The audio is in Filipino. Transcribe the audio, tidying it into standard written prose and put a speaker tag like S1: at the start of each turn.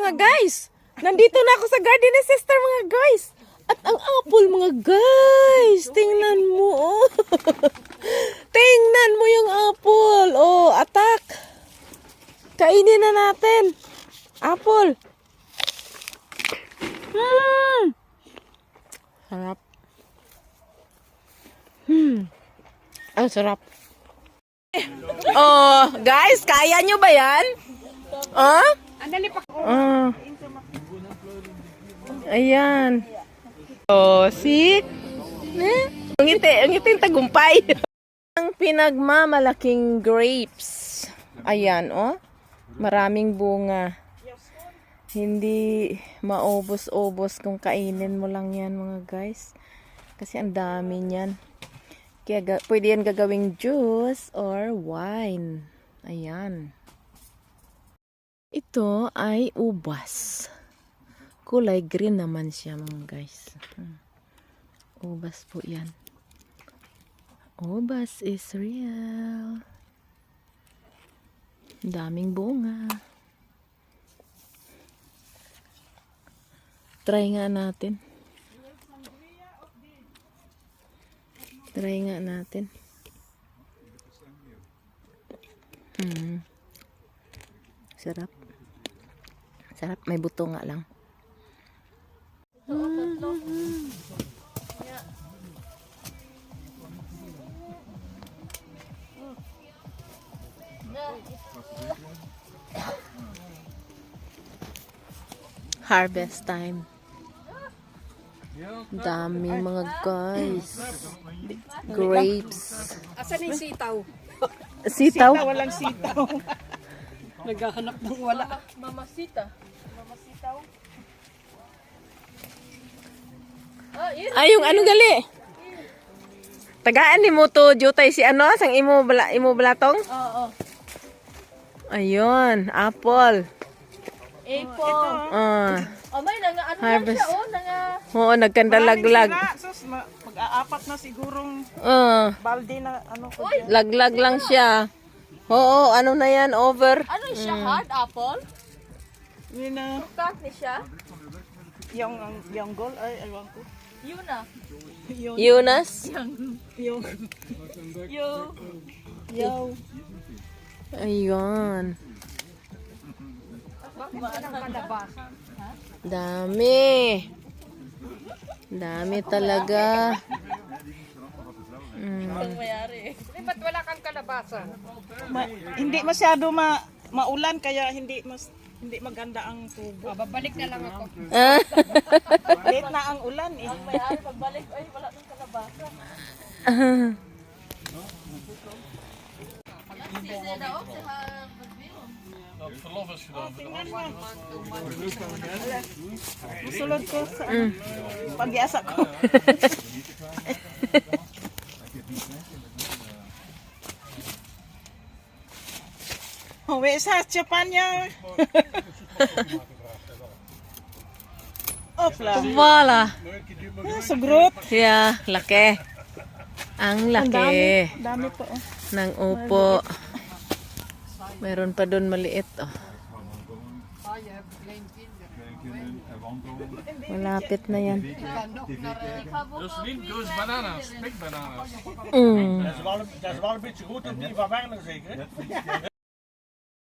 S1: mga guys. Nandito na ako sa garden ni sister mga guys. At ang apple mga guys. Tingnan mo. Oh. Tingnan mo yung apple. Oh, attack. Kainin na natin. Apple. Sarap. Ang sarap. Oh, guys, kaya nyo ba yan? Oh? Ayan. Oh, see? Ang ngiti yung tagumpay. Ang pinagmamalaking grapes. Ayan, oh. Maraming bunga. Hindi maubos-ubos kung kainin mo lang yan, mga guys. Kasi ang dami niyan. Kaya pwede yan gagawing juice or wine. Ayan. Ito ay ubas. Kulay green naman siya, mga guys. Ubas po yan. Ubas is real. Daming bunga. Try nga natin. Try nga natin. Sarap. Sarap. May buto nga lang. Harvest time. Dami mga guys. Grapes.
S2: Asan yung sitaw?
S1: Sitaw?
S2: Walang sitaw. Naghahanap ng wala. Mamasita. Mamasitaw.
S1: Ay, yung ano gali? Tagaan ni mo to, jutay si ano? Sang imo balatong?
S2: Oo.
S1: Ayun, apple.
S2: Apple. May nanga ano
S1: Harvest.
S2: siya, nanga...
S1: Oo, nagkandalaglag.
S3: Sus, mag-aapat na sigurong balde na ano ko.
S1: Laglag lang siya. Oo, ano na yan, over.
S2: Ano siya, hard apple?
S3: Yun na,
S2: Cut ni siya?
S3: yung goal, ay, aywan ko.
S2: Yun na.
S1: Eunice?
S3: Yung, yo.
S1: Ayun. Dami. Dami talaga.
S2: Mayari. Ba't wala kang kalabasa?
S3: Hindi masyado maulan, kaya hindi maganda ang tubo.
S2: Babalik na lang ako.
S3: Late na ang ulan eh.
S2: Mayari, pagbalik, ay wala kang kalabasa.
S3: Sulod ko sa pag-iasa ko. Uwi sa Japan niya. Opla.
S1: Wala.
S3: Sugrot.
S1: Yeah, laki. Ang laki.
S3: Dami po. Oh.
S1: Ng upo. Meron pa doon maliit. Oh. Malapit na yan.
S4: Jocelyn, goes bananas, big bananas.
S5: Dat is wel een beetje goed om die van Werner zeker.